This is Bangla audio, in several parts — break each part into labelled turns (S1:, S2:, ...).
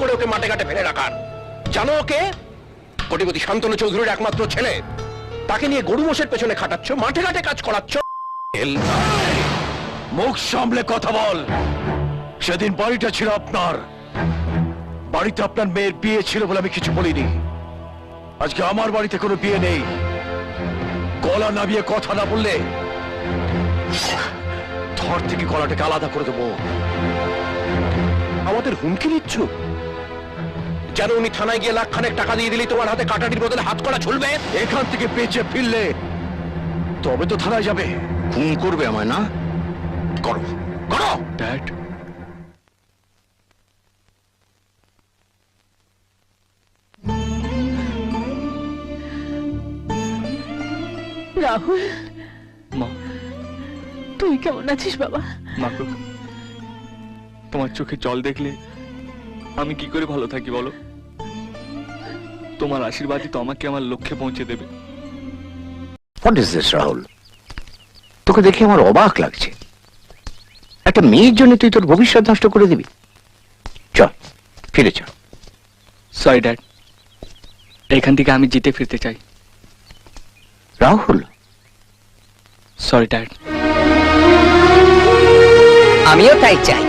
S1: করে ওকে মাঠে ঘাটে ফেলে রাখার। জানো ওকে? কোটিপতি শান্তনু চৌধুরীর একমাত্র ছেলে। তাকে নিয়ে গরু মোষের পেছনে খাটাচ্ছ, মাঠে ঘাটে কাজ করাচ্ছ। মুখ সামলে কথা বল। সেদিন বাড়িটা ছিল আপনার, বাড়িতে আপনার মেয়ের বিয়ে ছিল বলে আমি কিছু বলিনি। আজকে আমার বাড়িতে কোনো বিয়ে নেই। গলা নামিয়ে কথা না বললে ধর থেকে গলাটাকে আলাদা করে দেবো। আমাদের হুমকি দিচ্ছ? যেন উনি থানায় গিয়ে লাখখানেক টাকা দিয়ে দিলি তোমার হাতে কাটাটির বদলে হাত করা ঝুলবে। এখান থেকে বেঁচে ফিরলে তবে তো থানায় যাবে। খুন করবে আমায় না? করো করো।
S2: ড্যাড,
S3: রাহুল,
S2: মা,
S3: তুই কেমন আছিস বাবা?
S2: মাগো, তোমার চোখে জল দেখলে আমি কি করে ভালো থাকি বলো? তোমার আশীর্বাদই তো আমাকে আমার লক্ষ্যে পৌঁছে দেবে।
S4: What is this Rahul? তোকে দেখে আমার অবাক লাগছে। একটা মেয়ের জন্য তুই তোর ভবিষ্যৎ নষ্ট করে দিবি? চল ফিরে চল।
S2: সরি ড্যাড, এখান থেকে আমি জিতে ফিরতে চাই।
S4: Rahul,
S2: sorry dad.
S5: আমিও তাই চাই।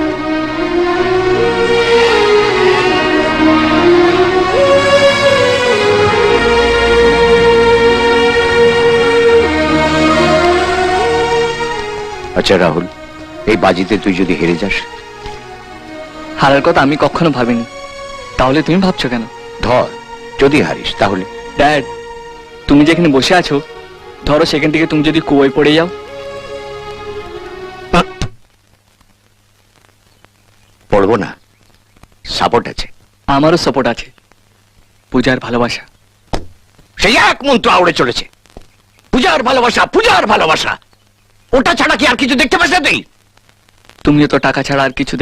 S4: আচ্ছা রাহুল, এই বাজিতে তুই যদি হেরে যাস?
S2: হারার কথা আমি কখনো ভাবিনি, তাহলে তুমি ভাবছো কেন?
S4: ধর যদি হারিস তাহলে?
S2: ড্যাড, তুমি যেখানে বসে আছো, ধরো সেখান থেকে তুমি যদি কুয়োয় পড়ে যাও?
S4: পড়বো না, সাপোর্ট আছে।
S2: আমারও সাপোর্ট আছে, পূজার ভালোবাসা।
S4: সেই এক মন্ত্র আউড়ে চলেছে, পূজার ভালোবাসা, পূজার ভালোবাসা। ওটা ছাড়া কি আর কিছু দেখতে পাস না তুই?
S2: তুমিও তো টাকা ছাড়া আর কিছু